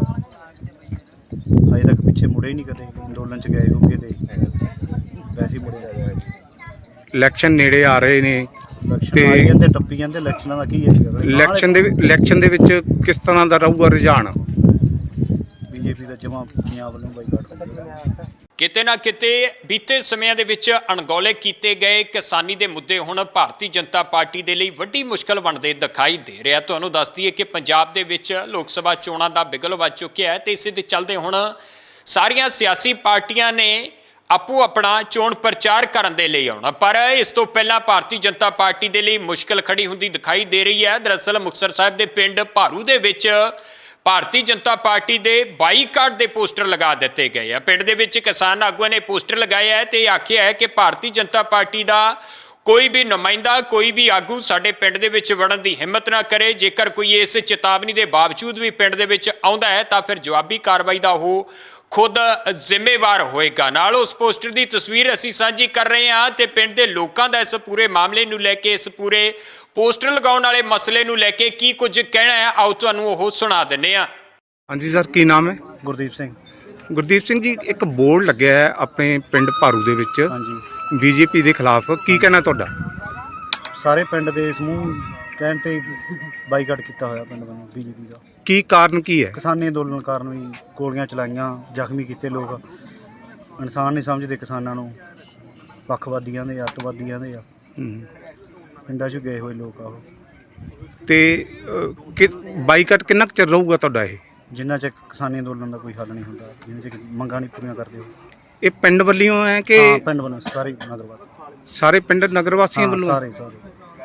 [SPEAKER 3] ਅਜੇ ਤੱਕ ਪਿੱਛੇ ਮੁੜੇ ਹੀ ਨਹੀਂ ਕਦੇ, ਅੰਦੋਲਨ 'ਚ ਗਏ ਹੋਗੇ ਤੇ ਵੈਸੇ ਹੀ ਮੁੜੇ।
[SPEAKER 2] ਇਲੈਕਸ਼ਨ ਨੇੜੇ ਆ ਰਹੇ ਨੇ
[SPEAKER 3] ਇਲੈਕਸ਼ਨ
[SPEAKER 2] ਤੇ
[SPEAKER 3] ਆਈ ਜਾਂਦੇ, ਟੱਪੀ ਜਾਂਦੇ, ਇਲੈਕਸ਼ਨਾਂ ਦਾ ਕੀ ਹੈ?
[SPEAKER 2] ਇਲੈਕਸ਼ਨ ਦੇ ਇਲੈਕਸ਼ਨ ਦੇ ਵਿੱਚ ਕਿਸ ਤਰ੍ਹਾਂ ਦਾ ਰਹੂਗਾ ਰੁਝਾਨ?
[SPEAKER 3] ਬੀਜੇਪੀ ਦਾ ਜਮਾਂ ਪੰਜਾਬ ਵੱਲੋਂ ਬਾਈਕਾਟ ਕਰੇਗਾ।
[SPEAKER 1] ਕਿਤੇ ਨਾ ਕਿਤੇ ਬੀਤੇ ਸਮਿਆਂ ਦੇ ਵਿੱਚ ਅਣਗੌਲੇ ਕੀਤੇ ਗਏ ਕਿਸਾਨੀ ਦੇ ਮੁੱਦੇ ਹੁਣ ਭਾਰਤੀ ਜਨਤਾ ਪਾਰਟੀ ਦੇ ਲਈ ਵੱਡੀ ਮੁਸ਼ਕਲ ਬਣਦੇ ਦਿਖਾਈ ਦੇ ਰਿਹਾ। ਤੁਹਾਨੂੰ ਦੱਸ ਦਈਏ ਕਿ ਪੰਜਾਬ ਦੇ ਵਿੱਚ ਲੋਕ ਸਭਾ ਚੋਣਾਂ ਦਾ ਬਿਗਲ ਵੱਜ ਚੁੱਕਿਆ ਹੈ ਤੇ ਇਸੇ ਦੇ ਚੱਲਦੇ ਹੁਣ ਸਾਰੀਆਂ ਸਿਆਸੀ ਪਾਰਟੀਆਂ ਨੇ ਆਪੋ ਆਪਣਾ ਚੋਣ ਪ੍ਰਚਾਰ ਕਰਨ ਦੇ ਲਈ ਆਉਣਾ, ਪਰ ਇਸ ਤੋਂ ਪਹਿਲਾਂ ਭਾਰਤੀ ਜਨਤਾ ਪਾਰਟੀ ਦੇ ਲਈ ਮੁਸ਼ਕਲ ਖੜੀ ਹੁੰਦੀ ਦਿਖਾਈ ਦੇ ਰਹੀ ਹੈ। ਦਰਅਸਲ ਮੁਕਤਸਰ ਸਾਹਿਬ ਦੇ ਪਿੰਡ ਭਾਰੂ ਦੇ ਵਿੱਚ ਭਾਰਤੀ ਜਨਤਾ ਪਾਰਟੀ ਦੇ ਬਾਈਕਾਟ ਦੇ ਪੋਸਟਰ ਲਗਾ ਦਿੱਤੇ ਗਏ ਆ। ਪਿੰਡ ਦੇ ਵਿੱਚ ਕਿਸਾਨ ਆਗੂਆਂ ਨੇ ਪੋਸਟਰ ਲਗਾਏ ਹੈ ਤੇ ਆਖਿਆ ਹੈ ਕਿ ਭਾਰਤੀ ਜਨਤਾ ਪਾਰਟੀ ਦਾ ਕੋਈ ਵੀ ਨੁਮਾਇੰਦਾ, ਕੋਈ ਵੀ ਆਗੂ ਸਾਡੇ ਪਿੰਡ ਦੇ ਵਿੱਚ ਵੜਨ ਦੀ ਹਿੰਮਤ ਨਾ ਕਰੇ। ਜੇਕਰ ਕੋਈ ਇਸ ਚੇਤਾਵਨੀ ਦੇ ਬਾਵਜੂਦ ਵੀ ਪਿੰਡ ਦੇ ਵਿੱਚ ਆਉਂਦਾ ਹੈ ਤਾਂ ਫਿਰ ਜਵਾਬੀ ਕਾਰਵਾਈ ਦਾ ਉਹ ਖੁਦ ਜ਼ਿੰਮੇਵਾਰ ਹੋਏਗਾ। ਨਾਲ ਉਸ ਪੋਸਟਰ ਦੀ ਤਸਵੀਰ ਅਸੀਂ ਸਾਂਝੀ ਕਰ ਰਹੇ ਹਾਂ ਤੇ ਪਿੰਡ ਦੇ ਲੋਕਾਂ ਦਾ ਇਸ ਪੂਰੇ ਮਾਮਲੇ ਨੂੰ ਲੈ ਕੇ, ਇਸ ਪੂਰੇ ਪੋਸਟਰ ਲਗਾਉਣ ਵਾਲੇ ਮਸਲੇ ਨੂੰ ਲੈ ਕੇ ਕੀ ਕੁਝ ਕਹਿਣਾ ਹੈ, ਆਓ ਤੁਹਾਨੂੰ ਉਹ ਸੁਣਾ ਦਿੰਦੇ ਹਾਂ।
[SPEAKER 2] ਹਾਂਜੀ ਸਰ, ਕੀ ਨਾਮ ਹੈ?
[SPEAKER 3] ਗੁਰਦੀਪ ਸਿੰਘ।
[SPEAKER 2] ਗੁਰਦੀਪ ਸਿੰਘ ਜੀ, ਇੱਕ ਬੋਰਡ ਲੱਗਿਆ ਹੈ ਆਪਣੇ ਪਿੰਡ ਭਾਰੂ ਦੇ ਵਿੱਚ
[SPEAKER 3] ਹਾਂਜੀ,
[SPEAKER 2] ਬੀਜੇਪੀ ਦੇ ਖਿਲਾਫ, ਕੀ ਕਹਿਣਾ ਤੁਹਾਡਾ?
[SPEAKER 3] ਸਾਰੇ ਪਿੰਡ ਦੇ ਸਮੂਹ ਕਹਿਣ ਤੇ ਬਾਈਕਾਟ ਕੀਤਾ ਹੋਇਆ ਪਿੰਡ ਵੱਲੋਂ ਬੀਜੇਪੀ ਦਾ।
[SPEAKER 2] ਕੀ ਕਾਰਨ ਕੀ ਹੈ?
[SPEAKER 3] ਕਿਸਾਨੀ ਅੰਦੋਲਨ ਕਾਰਨ ਵੀ ਗੋਲੀਆਂ ਚਲਾਈਆਂ, ਜ਼ਖਮੀ ਕੀਤੇ ਲੋਕ। ਇਨਸਾਨ ਨਹੀਂ ਸਮਝਦੇ ਕਿਸਾਨਾਂ ਨੂੰ, ਪੱਖਵਾਦੀਆਂ ਦੇ, ਅੱਤਵਾਦੀਆਂ ਦੇ ਆ।
[SPEAKER 2] ਹੂੰ।
[SPEAKER 3] ਪਿੰਡਾਂ 'ਚ ਗਏ ਹੋਏ ਲੋਕ ਆ ਉਹ।
[SPEAKER 2] ਤੇ ਅਹ, ਕਿ ਬਾਈਕਾਟ ਕਿੰਨਾ ਕੁ ਚਿਰ ਰਹੂਗਾ ਤੁਹਾਡਾ ਇਹ?
[SPEAKER 3] ਜਿੰਨਾ ਚਿਰ ਕਿਸਾਨੀ ਅੰਦੋਲਨ ਦਾ ਕੋਈ ਹੱਲ ਨਹੀਂ ਹੁੰਦਾ, ਜਿੰਨਾ ਚਿਰ ਮੰਗਾਂ ਨਹੀਂ ਪੂਰੀਆਂ ਕਰਦੇ ਉਹ।
[SPEAKER 2] ਇਹ ਪਿੰਡ ਵੱਲੋਂ ਹੈ ਕਿ
[SPEAKER 3] ਹਾਂ, ਪਿੰਡ ਵੱਲੋਂ ਸਾਰੇ ਨਗਰਵਾਦ,
[SPEAKER 2] ਸਾਰੇ ਪਿੰਡ ਨਗਰ ਵਾਸੀਆਂ ਵੱਲੋਂ?
[SPEAKER 3] ਸਾਰੇ ਸਾਰੇ।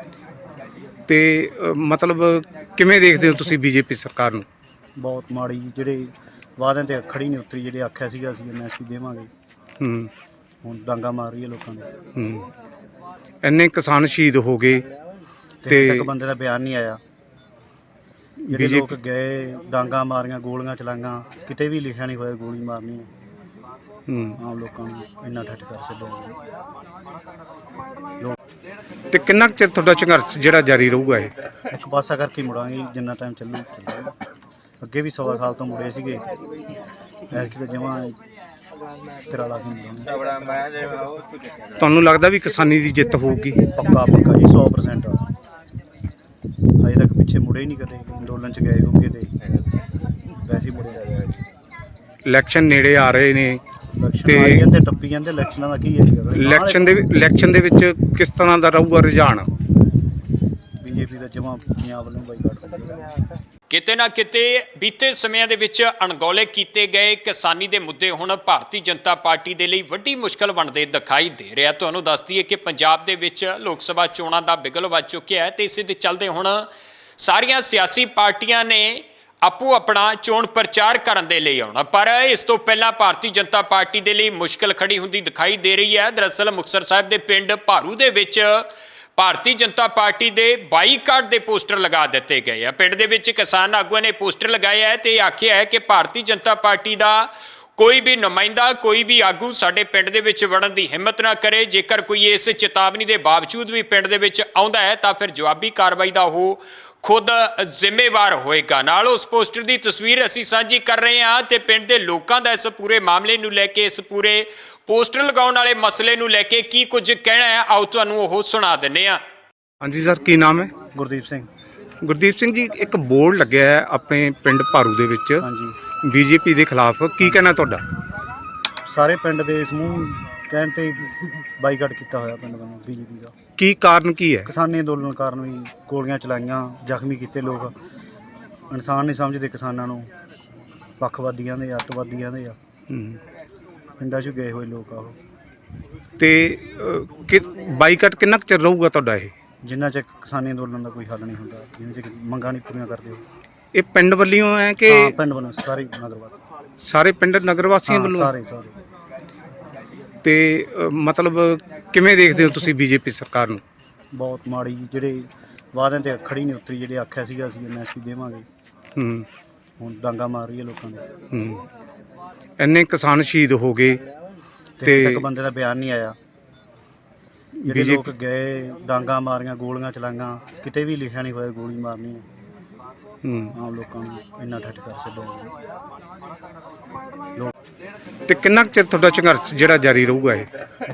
[SPEAKER 2] ਤੇ ਅਹ, ਮਤਲਬ ਕਿਵੇਂ ਦੇਖਦੇ ਹੋ ਤੁਸੀਂ ਬੀਜੇਪੀ ਸਰਕਾਰ ਨੂੰ?
[SPEAKER 3] ਬਹੁਤ ਮਾੜੀ ਜੀ, ਜਿਹੜੇ ਵਾਅਦਿਆਂ ਤੇ ਖੜੀ ਨਹੀਂ ਉਤਰੀ। ਜਿਹੜੇ ਆਖਿਆ ਸੀਗਾ ਅਸੀਂ ਐਮ ਐਸ ਪੀ ਦੇਵਾਂਗੇ,
[SPEAKER 2] ਹੂੰ
[SPEAKER 3] ਹੁਣ ਡਾਂਗਾ ਮਾਰ ਰਹੀ ਹੈ ਲੋਕਾਂ ਦੇ।
[SPEAKER 2] ਹੂੰ। ਇੰਨੇ ਕਿਸਾਨ ਸ਼ਹੀਦ ਹੋ ਗਏ
[SPEAKER 3] ਤੇ
[SPEAKER 2] ਤੇ
[SPEAKER 3] ਤੱਕ ਬੰਦੇ ਦਾ ਬਿਆਨ ਨਹੀਂ ਆਇਆ। ਜਿਹੜੇ
[SPEAKER 2] ਬੀਜੇਪੀ
[SPEAKER 3] ਲੋਕ ਗਏ, ਡਾਂਗਾ ਮਾਰੀਆਂ, ਗੋਲੀਆਂ ਚਲਾਈਆਂ, ਕਿਤੇ ਵੀ ਲਿਖਿਆ ਨਹੀਂ ਹੋਇਆ ਗੋਲੀ ਮਾਰਨੀ ਹੈ।
[SPEAKER 2] ਹੂੰ।
[SPEAKER 3] ਆਮ ਲੋਕਾਂ ਨੂੰ ਇੰਨਾ ਠੱਠ ਕਰ ਛੱਡਿਆ। ਲੋਕ
[SPEAKER 2] ਤੇ ਕਿੰਨਾ ਕੁ ਚਿਰ ਤੁਹਾਡਾ ਸੰਘਰਸ਼ ਜਿਹੜਾ ਜਾਰੀ ਰਹੂਗਾ ਇਹ?
[SPEAKER 3] ਇੱਕ ਪਾਸਾ ਕਰਕੇ ਹੀ ਮੁੜਾਂਗੇ ਜਿੰਨਾ ਟਾਈਮ ਚੱਲੂ ਚੱਲੂ। ਅੱਗੇ ਵੀ ਸਵਾ ਸਾਲ ਤੋਂ ਮੁੜੇ ਸੀਗੇ, ਐਤਕੀ ਤਾਂ ਜਮਾਂ ਤੇਰਾ ਲਾ ਕੇ ਮੁੜਾਂਗੇ।
[SPEAKER 2] ਤੁਹਾਨੂੰ ਲੱਗਦਾ ਵੀ ਕਿਸਾਨੀ ਦੀ ਜਿੱਤ ਹੋਊਗੀ?
[SPEAKER 3] ਪੱਕਾ ਪੱਕਾ ਜੀ, ਸੌ ਪ੍ਰਸੈਂਟ। ਅਜੇ ਤੱਕ ਪਿੱਛੇ ਮੁੜੇ ਹੀ ਨਹੀਂ ਕਦੇ, ਅੰਦੋਲਨ 'ਚ ਗਏ ਹੋਗੇ ਤੇ ਵੈਸੇ ਹੀ ਮੁੜੇ।
[SPEAKER 2] ਇਲੈਕਸ਼ਨ ਨੇੜੇ ਆ ਰਹੇ ਨੇ
[SPEAKER 3] ਇਲੈਕਸ਼ਨ
[SPEAKER 2] ਤੇ
[SPEAKER 3] ਆਈ ਜਾਂਦੇ, ਟੱਪੀ ਜਾਂਦੇ, ਇਲੈਕਸ਼ਨਾਂ ਦਾ ਕੀ ਹੈ?
[SPEAKER 2] ਇਲੈਕਸ਼ਨ ਦੇ ਇਲੈਕਸ਼ਨ ਦੇ ਵਿੱਚ ਕਿਸ ਤਰ੍ਹਾਂ ਦਾ ਰਹੂਗਾ ਰੁਝਾਨ?
[SPEAKER 3] ਬੀਜੇਪੀ ਦਾ ਜਮਾਂ ਪੰਜਾਬ ਵੱਲੋਂ ਬਾਈਕਾਟ ਕਰੇਗਾ।
[SPEAKER 1] ਕਿਤੇ ਨਾ ਕਿਤੇ ਬੀਤੇ ਸਮਿਆਂ ਦੇ ਵਿੱਚ ਅਣਗੌਲੇ ਕੀਤੇ ਗਏ ਕਿਸਾਨੀ ਦੇ ਮੁੱਦੇ ਹੁਣ ਭਾਰਤੀ ਜਨਤਾ ਪਾਰਟੀ ਦੇ ਲਈ ਵੱਡੀ ਮੁਸ਼ਕਲ ਬਣਦੇ ਦਿਖਾਈ ਦੇ ਰਿਹਾ। ਤੁਹਾਨੂੰ ਦੱਸ ਦਈਏ ਕਿ ਪੰਜਾਬ ਦੇ ਵਿੱਚ ਲੋਕ ਸਭਾ ਚੋਣਾਂ ਦਾ ਬਿਗਲ ਵੱਜ ਚੁੱਕਿਆ ਹੈ ਤੇ ਇਸੇ ਦੇ ਚੱਲਦੇ ਹੁਣ ਸਾਰੀਆਂ ਸਿਆਸੀ ਪਾਰਟੀਆਂ ਨੇ ਆਪੋ ਆਪਣਾ ਚੋਣ ਪ੍ਰਚਾਰ ਕਰਨ ਦੇ ਲਈ ਆਉਣਾ, ਪਰ ਇਸ ਤੋਂ ਪਹਿਲਾਂ ਭਾਰਤੀ ਜਨਤਾ ਪਾਰਟੀ ਦੇ ਲਈ ਮੁਸ਼ਕਲ ਖੜੀ ਹੁੰਦੀ ਦਿਖਾਈ ਦੇ ਰਹੀ ਹੈ। ਦਰਅਸਲ ਮੁਕਤਸਰ ਸਾਹਿਬ ਦੇ ਪਿੰਡ ਭਾਰੂ ਦੇ ਵਿੱਚ ਭਾਰਤੀ ਜਨਤਾ ਪਾਰਟੀ ਦੇ ਬਾਈਕਾਟ ਦੇ ਪੋਸਟਰ ਲਗਾ ਦਿੱਤੇ ਗਏ ਆ। ਪਿੰਡ ਦੇ ਵਿੱਚ ਕਿਸਾਨ ਆਗੂਆਂ ਨੇ ਪੋਸਟਰ ਲਗਾਏ ਹੈ ਤੇ ਆਖਿਆ ਹੈ ਕਿ ਭਾਰਤੀ ਜਨਤਾ ਪਾਰਟੀ ਦਾ ਕੋਈ ਵੀ ਨੁਮਾਇੰਦਾ, ਕੋਈ ਵੀ ਆਗੂ ਸਾਡੇ ਪਿੰਡ ਦੇ ਵਿੱਚ ਵੜਨ ਦੀ ਹਿੰਮਤ ਨਾ ਕਰੇ। ਜੇਕਰ ਕੋਈ ਇਸ ਚੇਤਾਵਨੀ ਦੇ ਬਾਵਜੂਦ ਵੀ ਪਿੰਡ ਦੇ ਵਿੱਚ ਆਉਂਦਾ ਹੈ ਤਾਂ ਫਿਰ ਜਵਾਬੀ ਕਾਰਵਾਈ ਦਾ ਉਹ ਖੁਦ ਜ਼ਿੰਮੇਵਾਰ ਹੋਏਗਾ। ਨਾਲ ਉਸ ਪੋਸਟਰ ਦੀ ਤਸਵੀਰ ਅਸੀਂ ਸਾਂਝੀ ਕਰ ਰਹੇ ਹਾਂ ਤੇ ਪਿੰਡ ਦੇ ਲੋਕਾਂ ਦਾ ਇਸ ਪੂਰੇ ਮਾਮਲੇ ਨੂੰ ਲੈ ਕੇ, ਇਸ ਪੂਰੇ ਪੋਸਟਰ ਲਗਾਉਣ ਵਾਲੇ ਮਸਲੇ ਨੂੰ ਲੈ ਕੇ ਕੀ ਕੁਝ ਕਹਿਣਾ ਹੈ, ਆਓ ਤੁਹਾਨੂੰ ਉਹ ਸੁਣਾ ਦਿੰਦੇ ਹਾਂ।
[SPEAKER 2] ਹਾਂਜੀ ਸਰ, ਕੀ ਨਾਮ ਹੈ?
[SPEAKER 3] ਗੁਰਦੀਪ ਸਿੰਘ।
[SPEAKER 2] ਗੁਰਦੀਪ ਸਿੰਘ ਜੀ, ਇੱਕ ਬੋਰਡ ਲੱਗਿਆ ਹੈ ਆਪਣੇ ਪਿੰਡ ਭਾਰੂ ਦੇ ਵਿੱਚ
[SPEAKER 3] ਹਾਂਜੀ,
[SPEAKER 2] ਬੀਜੇਪੀ ਦੇ ਖਿਲਾਫ, ਕੀ ਕਹਿਣਾ ਤੁਹਾਡਾ?
[SPEAKER 3] ਸਾਰੇ ਪਿੰਡ ਦੇ ਸਮੂਹ ਕਹਿਣ ਤੇ ਬਾਈਕਾਟ ਕੀਤਾ ਹੋਇਆ ਪਿੰਡ ਵੱਲੋਂ ਬੀਜੇਪੀ ਦਾ।
[SPEAKER 2] ਕੀ ਕਾਰਨ ਕੀ ਹੈ?
[SPEAKER 3] ਕਿਸਾਨੀ ਅੰਦੋਲਨ ਕਾਰਨ ਵੀ ਗੋਲੀਆਂ ਚਲਾਈਆਂ, ਜ਼ਖਮੀ ਕੀਤੇ ਲੋਕ। ਇਨਸਾਨ ਨਹੀਂ ਸਮਝਦੇ ਕਿਸਾਨਾਂ ਨੂੰ, ਪੱਖਵਾਦੀਆਂ ਦੇ, ਅੱਤਵਾਦੀਆਂ ਦੇ ਆ।
[SPEAKER 2] ਹੂੰ।
[SPEAKER 3] ਪਿੰਡਾਂ 'ਚ ਗਏ ਹੋਏ ਲੋਕ ਆ ਉਹ।
[SPEAKER 2] ਤੇ ਅਹ, ਕਿ ਬਾਈਕਾਟ ਕਿੰਨਾ ਕੁ ਚਿਰ ਰਹੂਗਾ ਤੁਹਾਡਾ ਇਹ?
[SPEAKER 3] ਜਿੰਨਾ ਚਿਰ ਕਿਸਾਨੀ ਅੰਦੋਲਨ ਦਾ ਕੋਈ ਹੱਲ ਨਹੀਂ ਹੁੰਦਾ, ਜਿੰਨਾ ਚਿਰ ਮੰਗਾਂ ਨਹੀਂ ਪੂਰੀਆਂ ਕਰਦੇ ਉਹ।
[SPEAKER 2] ਇਹ ਪਿੰਡ ਵੱਲੋਂ ਹੈ ਕਿ
[SPEAKER 3] ਹਾਂ, ਪਿੰਡ ਵੱਲੋਂ ਸਾਰੇ ਨਗਰਵਾਦ,
[SPEAKER 2] ਸਾਰੇ ਪਿੰਡ ਨਗਰ ਵਾਸੀਆਂ ਵੱਲੋਂ?
[SPEAKER 3] ਸਾਰੇ ਸਾਰੇ।
[SPEAKER 2] ਤੇ ਅਹ, ਮਤਲਬ ਕਿਵੇਂ ਦੇਖਦੇ ਹੋ ਤੁਸੀਂ ਬੀਜੇਪੀ ਸਰਕਾਰ ਨੂੰ?
[SPEAKER 3] ਬਹੁਤ ਮਾੜੀ ਜੀ, ਜਿਹੜੇ ਵਾਅਦਿਆਂ ਤੇ ਖੜੀ ਨਹੀਂ ਉਤਰੀ। ਜਿਹੜੇ ਆਖਿਆ ਸੀਗਾ ਅਸੀਂ ਐਮ ਐਸ ਪੀ ਦੇਵਾਂਗੇ,
[SPEAKER 2] ਹੂੰ
[SPEAKER 3] ਹੁਣ ਡਾਂਗਾ ਮਾਰ ਰਹੀ ਹੈ ਲੋਕਾਂ ਦੇ।
[SPEAKER 2] ਹੂੰ ਇੰਨੇ ਕਿਸਾਨ ਸ਼ਹੀਦ ਹੋ ਗਏ
[SPEAKER 3] ਤੇ
[SPEAKER 2] ਤੇ
[SPEAKER 3] ਤੱਕ ਬੰਦੇ ਦਾ ਬਿਆਨ ਨਹੀਂ ਆਇਆ। ਜਿਹੜੇ
[SPEAKER 2] ਬੀਜੇਪੀ
[SPEAKER 3] ਲੋਕ ਗਏ, ਡਾਂਗਾ ਮਾਰੀਆਂ, ਗੋਲੀਆਂ ਚਲਾਈਆਂ, ਕਿਤੇ ਵੀ ਲਿਖਿਆ ਨਹੀਂ ਹੋਇਆ ਗੋਲੀ ਮਾਰਨੀ ਹੈ।
[SPEAKER 2] ਹੂੰ
[SPEAKER 3] ਆਮ ਲੋਕਾਂ ਨੂੰ ਇੰਨਾ ਠੱਠ ਕਰ ਛੱਡਿਆ।
[SPEAKER 2] ਤੇ ਕਿੰਨਾ ਕੁ ਚਿਰ ਤੁਹਾਡਾ ਸੰਘਰਸ਼ ਜਿਹੜਾ ਜਾਰੀ ਰਹੂਗਾ ਇਹ?